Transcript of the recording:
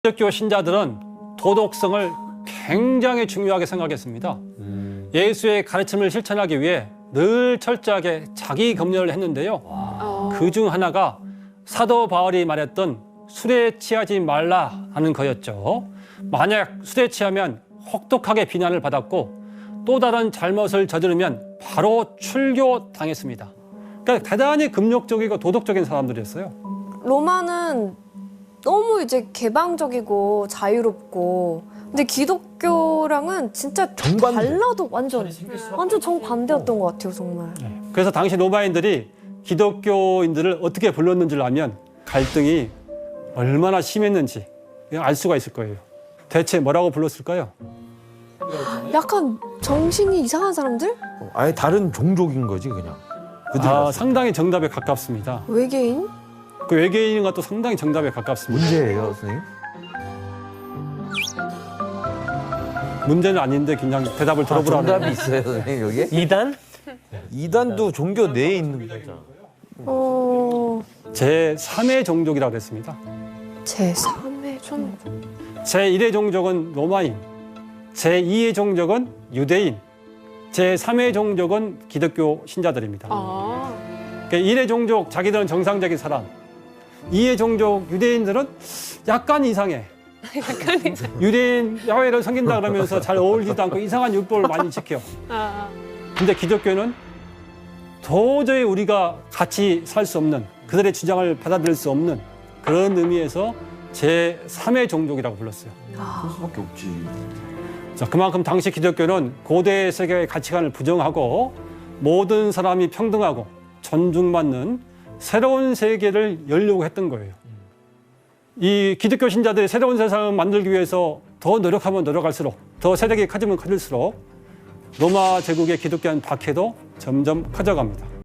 기독교 신자들은 도덕성을 굉장히 중요하게 생각했습니다. 예수의 가르침을 실천하기 위해 늘 철저하게 자기 검열을 했는데요. 그중 하나가 사도 바울이 말했던 술에 취하지 말라 하는 거였죠. 만약 술에 취하면 혹독하게 비난을 받았고 또 다른 잘못을 저지르면 바로 출교당했습니다. 그러니까 대단히 금욕적이고 도덕적인 사람들이었어요. 로마는 너무 이제 개방적이고 자유롭고, 근데 기독교랑은 진짜 정반대. 달라도 완전 정반대였던 것 같아요, 정말. 그래서 당시 로마인들이 기독교인들을 어떻게 불렀는지를 알면 갈등이 얼마나 심했는지 알 수가 있을 거예요. 대체 뭐라고 불렀을까요? 약간 정신이 이상한 사람들? 아예 다른 종족인 거지 그냥. 상당히 정답에 가깝습니다. 외계인? 그 외계인과 또 상당히 정답에 가깝습니다. 문제예요, 선생님? 문제는 아닌데 그냥 대답을 들어보라는 정답이 있어요, 선생님 여기에? 이단? 이단도 종교 내에 있는 거잖아. 제3의 종족이라고 했습니다. 제3의 종. 제1의 종족은 로마인, 제2의 종족은 유대인, 제3의 종족은 기독교 신자들입니다. 그러니까 1의 종족, 자기들은 정상적인 사람. 2의 종족, 유대인들은 약간 이상해. 유대인 야훼를 섬긴다 그러면서 잘 어울리지도 않고 이상한 율법을 많이 지켜. 근데 기독교는 도저히 우리가 같이 살 수 없는, 그들의 주장을 받아들일 수 없는 그런 의미에서 제3의 종족이라고 불렀어요. 그럴 수밖에 없지. 자, 그만큼 당시 기독교는 고대 세계의 가치관을 부정하고 모든 사람이 평등하고 존중받는 새로운 세계를 열려고 했던 거예요. 이 기독교 신자들이 새로운 세상을 만들기 위해서 더 노력하면 노력할수록, 더 세력이 커지면 커질수록 로마 제국의 기독교한 박해도 점점 커져갑니다.